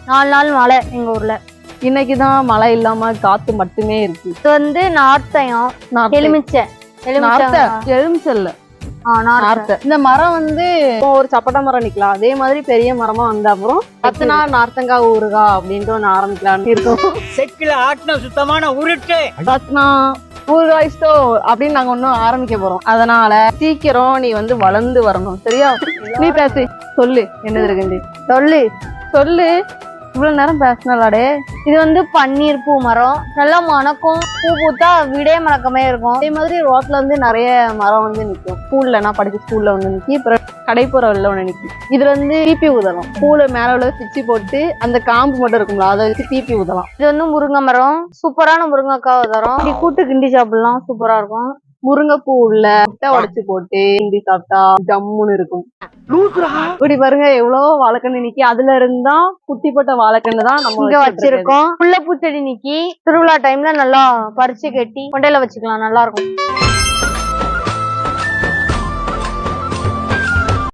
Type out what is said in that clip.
4 நாள் மழை எங்க ஊர்ல. இன்னைக்குதான் மழை இல்லாம காத்து மட்டுமே இருக்கு. இது வந்து நார்த்தையும் எலுமிச்சை எலுமிச்சல்ல இந்த மரம் வந்து ஒரு சப்பட்டை மரம் நிக்கலாம். அதே மாதிரி பெரிய மரமா வந்த அப்புறம் 10 நாள் நார்த்தங்காய் ஊறுகா அப்படின்ட்டு ஒண்ணு ஆரம்பிக்கலாம்னு இருக்கும். செக்கில ஆட்டின சுத்தமான உருட்டு 10 நாள் ஊறுகாய் ஸ்டோ அப்படின்னு நாங்க ஒன்னும் ஆரம்பிக்க போறோம். அதனால சீக்கிரம் நீ வந்து வளர்ந்து வரணும், சரியா? நீ பேசு, சொல்லு என்னது இருக்கு, சொல்லு சொல்லு. இவ்வளவு நேரம் பேசினாலே. இது வந்து பன்னீர் பூ மரம், நல்லா மணக்கும். பூ பூத்தா வீடே மணக்கமே இருக்கும். அதே மாதிரி ரோட்ல வந்து நிறைய மரம் வந்து நிற்கும். ஸ்கூல்ல நான் படிச்ச ஸ்கூல்ல ஒண்ணு நிக்கி, அப்புறம் கடைப்புறவுல ஒண்ணு நிக்கி. இதுல வந்து தீப்பி ஊதலாம். பூல மேல உள்ள பிச்சு போட்டு அந்த காம்பு மட்டும் இருக்கும்ல, அதை வச்சு தீப்பி ஊதலாம். இது வந்து முருங்கை மரம், சூப்பரான முருங்கைக்காய் தரும். இப்படி கூட்டு கிண்டி சாப்பிடலாம், சூப்பரா இருக்கும். முருங்கைப்பூ உள்ள முட்டை உடைச்சு போட்டு கிண்டி சாப்பிட்டா ஜம்முன்னு இருக்கும். இப்படி பாருங்க எவ்வளவு வாழைக்கண்ணு நிக்கி. அதுல இருந்தா குட்டி போட்ட வாழைக்கண்ணு தான் நம்ம இங்க வச்சிருக்கோம். முல்லை பூச்செடி நிக்கி திருவிழா டைம்ல நல்லா பறிச்சு கட்டி கொண்டையில வச்சுக்கலாம், நல்லா இருக்கும்.